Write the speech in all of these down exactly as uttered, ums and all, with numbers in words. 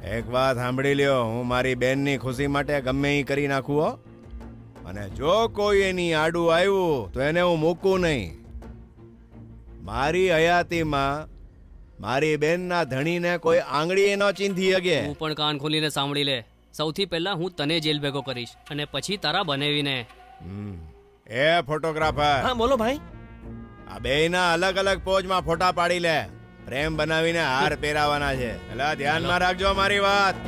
એક વાત સાંભળી લ્યો, હું મારી બેનની ખુશી માટે ગમે એ કરી નાખું હો. અને જો કોઈ એની આડું આવ્યું તો એને હું મૂકું નહીં. મારી હયાતીમાં મારી બેનના ધણીને કોઈ આંગળી ન ચીંધી શકે. તું પણ કાન ખોલીને સાંભળી લે. સૌથી પહેલા હું તને જેલ ભેગો કરીશ અને પછી તારા બનાવીને. હમ. એ ફોટોગ્રાફર, હા બોલો ભાઈ. આ બેયના અલગ અલગ પોઝમાં ફોટા પાડી લે. પ્રેમ બનાવીને હાર પહેરાવાના છે. એટલે ધ્યાનમાં રાખજો મારી વાત.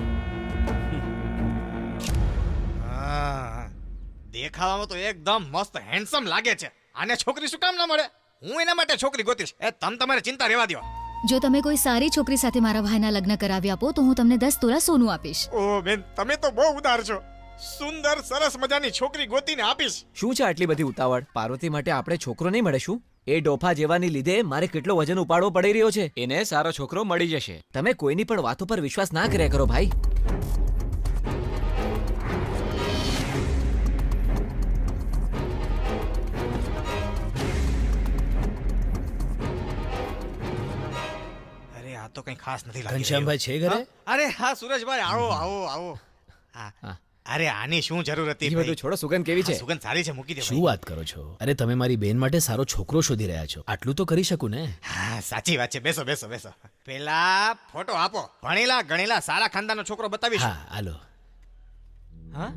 હા, દેખાવામાં તો એકદમ મસ્ત હેન્ડસમ લાગે છે. આને છોકરી શું કામ ના મળે? હું એના માટે છોકરી ગોતીશ. એ તમ તમારે ચિંતા રહેવા દો. જો તમે કોઈ સારી છોકરી સાથે મારા ભાઈના લગ્ન કરાવી આપો તો હું તમને દસ તોલા સોનું આપીશ. ઓ બેન, તમે તો બહુ ઉદાર છો. સુંદર સરસ મજાની છોકરી ગોતીને આપીશ. શું છે આટલી બધી ઉતાવળ? પાર્વતી માટે આપણે છોકરો નહીં મળે શું? એ ડોફા જેવાની લીધે મારે કેટલો વજન ઉપાડવો પડી રહ્યો છે. એને સારો છોકરો મળી જશે. તમે કોઈની પણ વાતો પર વિશ્વાસ ના કર્યા કરો ભાઈ. અરે આ તો કઈ ખાસ નથી લાગી ઘનશ્યામભાઈ છે ઘરે? રહ્યું. હા? અરે હા સુરેશભાઈ, આવો આવો આવો. હા. હા. અરે આની શું જરૂર હતી એ ભાઈ? બધું છોડો. સુગંધ કેવી છે? હા, સુગંધ સારી છે, મૂકી દે શું ભાઈ. વાત કરો છો? અરે તમે મારી બેન માટે સારો છોકરો શોધી રહ્યા છો, આટલું તો કરી શકું ને. હા, સાચી વાત છે. બેસો બેસો બેસો. પેલા ફોટો આપો. ભણેલા ગણેલા સારા ખાનદાનનો છોકરો બતાવીશું. હા હાલો. હા,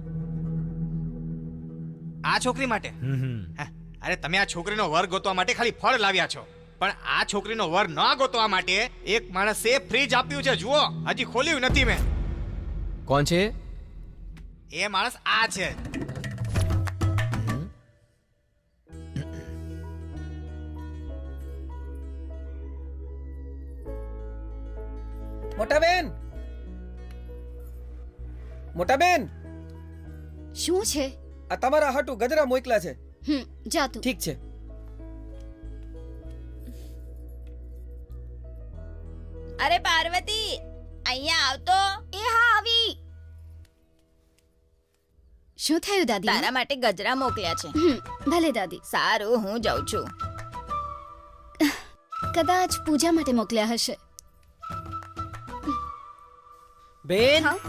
આ છોકરી માટે. હમ હમ. હા, અરે તમે આ છોકરીનો વર ગોતવા માટે ખાલી ફળ લાવ્યા છો, પણ આ છોકરીનો વર ન ગોતવા માટે એક માણસે ફ્રીજ આપ્યું છે. જુઓ, હજી ખોલ્યું નથી મેં. કોણ છે? એ માણસ આ છે. મોટા બેન, મોટા બેન, શું છે? આ તમારા હાટુ ગજરા મોકલા છે. હમ જા તું. ઠીક છે. અરે પાર્વતી, અહીંયા આવતો. એ હા આવી. શું થયું દાદી? તારા માટે ગજરા મોકલ્યા છે. હમ, ભલે દાદી. સારું, હું જાઉં છું. કદાચ પૂજા માટે મોકલ્યા હશે. બેન, હા?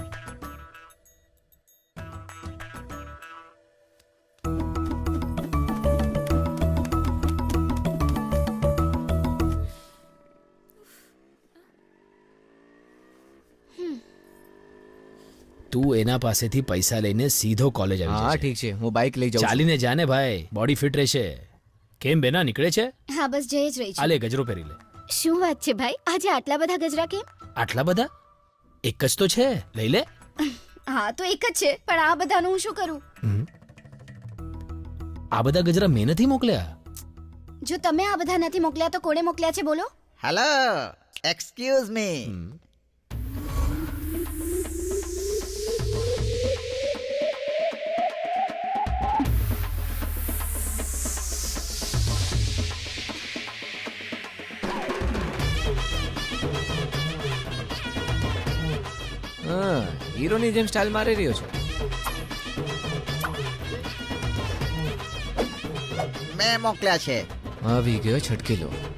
તું એના પાસેથી પૈસા લઈને સીધો કોલેજ આવી હા જશે. ઠીક છે, હું બાઇક લઈ જાઉં છું. ચાલીને જાને ભાઈ, બોડી ફિટ રહેશે. કેમ બેના, નીકળે છે? હા બસ જઈ જ રહી આ છું. લે ગજરો પહેરી લે. શું વાત છે ભાઈ, આજે આટલા બધા ગજરા કેમ? આટલા બધા? એક જ તો છે, લઈ લે. હા તો એક જ છે, પણ આ બધાનું હું શું કરું? હમ. આ બધા ગજરા મેં નથી મોકલ્યા. જો તમે આ બધા નથી મોકલ્યા તો કોણે મોકલ્યા છે બોલો? Hello, excuse me. હા, હીરોની જેમ સ્ટાઇલ મારી રહ્યો છે. મેં મોકલ્યા છે. આવી ગયો છટકી લો.